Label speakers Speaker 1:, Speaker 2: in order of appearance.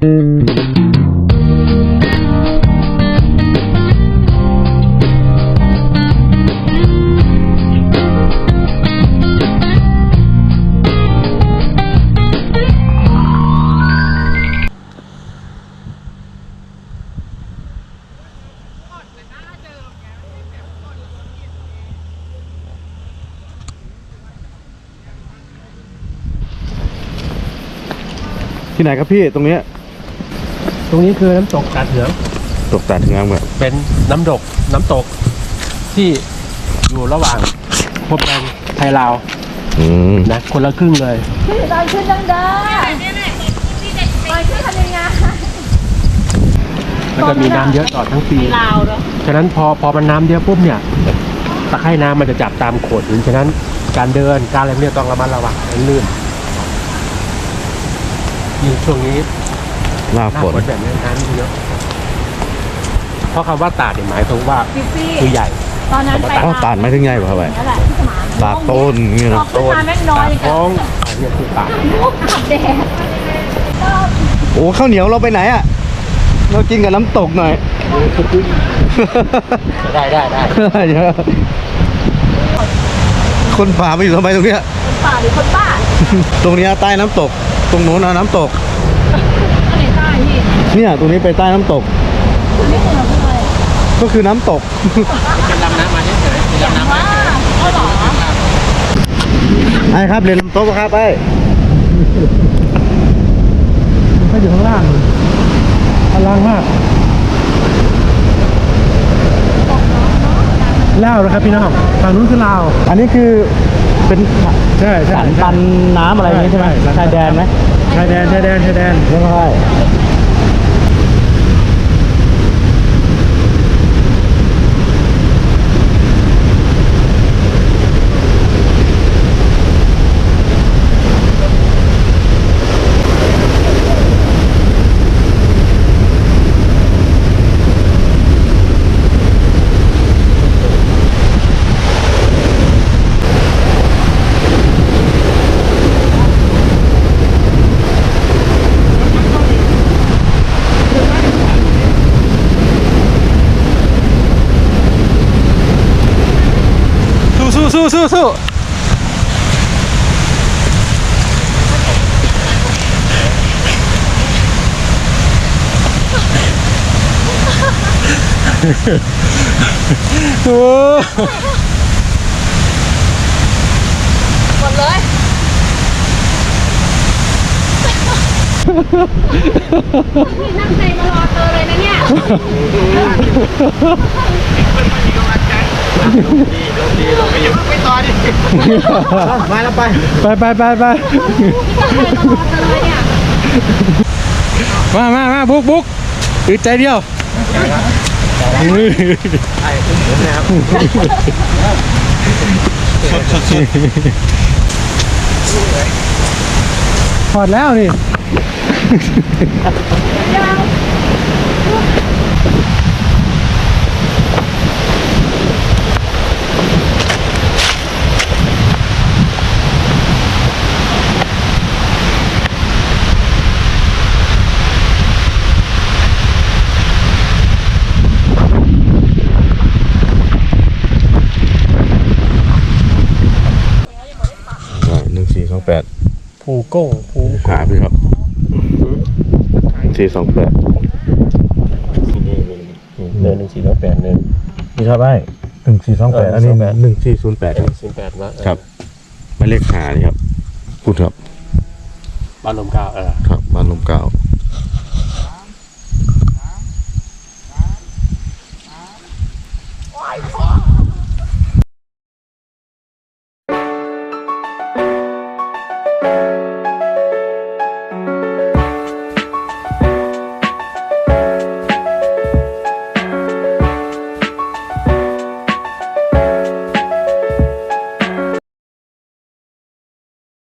Speaker 1: ที่ไหนครับพี่ตรงนี้
Speaker 2: คือน้ำตกตาดเหือง
Speaker 1: ตกตาดเหืองแบบ
Speaker 2: เป็นน้ำตกที่อยู่ระหว่างพรมแดนไทยลาวนะคนละครึ่งเลย
Speaker 3: ตอนขึ้นดังตอนขึ้นทำยังไง
Speaker 2: มันจะมีน้ำเยอะต่อทั้งปี
Speaker 3: ลาวเนาะ
Speaker 2: ฉะนั้นพอมันน้ำเยอะปุ๊บเนี่ยตะไคร่น้ำมันจะจับตามโขดหินฉะนั้นการเดินการอะไรเนี่ยต้องระมัดระวังลื่นยิ่งช่วงนี้
Speaker 1: หน้าฝน
Speaker 2: แบบนี้น้ำเยอะเพราะคำว่าตาดหมายถึงว่าคือใหญ่
Speaker 3: ตอนนั้นไป
Speaker 1: ตาดไม่ถึงใหญ่ป่ะครับตาดต้นนี่นะ
Speaker 3: ต้นแม่งน้อย
Speaker 2: ท้องเนี่ยคือตาด
Speaker 3: แดด
Speaker 1: โอ้ข้าวเหนียวเราไปไหนอ่ะเรากินกับน้ำตกหน่อย
Speaker 2: ได้
Speaker 1: คนป่าไปอยู่ทำไมตรงเนี้ย
Speaker 3: คนป่าหรือคนบ้า
Speaker 1: ตรงนี้ใต้น้ำตกตรงโน้นน้ำตก
Speaker 3: อะไรใต้พี่
Speaker 1: เนี่ยตรงนี้ไปใต้น้ำตก
Speaker 3: นี่คืออะไร
Speaker 1: ก็คือน้ำตก
Speaker 2: เป็นลำน้ำมาเฉยๆเป็นลำน้ำมา
Speaker 3: ก็หรอ
Speaker 1: ไอ้ครับเรียนน้ำตกครับไอ้
Speaker 2: มันก็อยู่ข้างล่างมากลาวนะครับพี่น้องฝั่งนู้นคือลาว
Speaker 1: อันนี้คือเป็น
Speaker 2: ใช่
Speaker 1: ปันน้ำอะไรอย่างนี้ใช่ไหมชายแดนไหม
Speaker 2: ชายแดน
Speaker 1: ไม่ใช่สู้
Speaker 3: หมดเลยนั่งใจมารอเธอเลยนะเนี่ย
Speaker 2: ดีลงไปอยู่ไปต่อดิมาแล้วไป
Speaker 1: มาบุกอึดใจเดียว
Speaker 2: ไอ้ผมนะครับ
Speaker 1: ถอดแล้วนี่1428
Speaker 2: ภูโก้
Speaker 1: หาพี่ครับ428
Speaker 2: เดิน1428นึง
Speaker 1: นี่ครับไอ้1428อันนี้1408ครับหมายเลขหานี่ครับพูดครับ
Speaker 2: บ้านลมกาว
Speaker 1: ครับบ้านลมกาว
Speaker 3: โอ้ย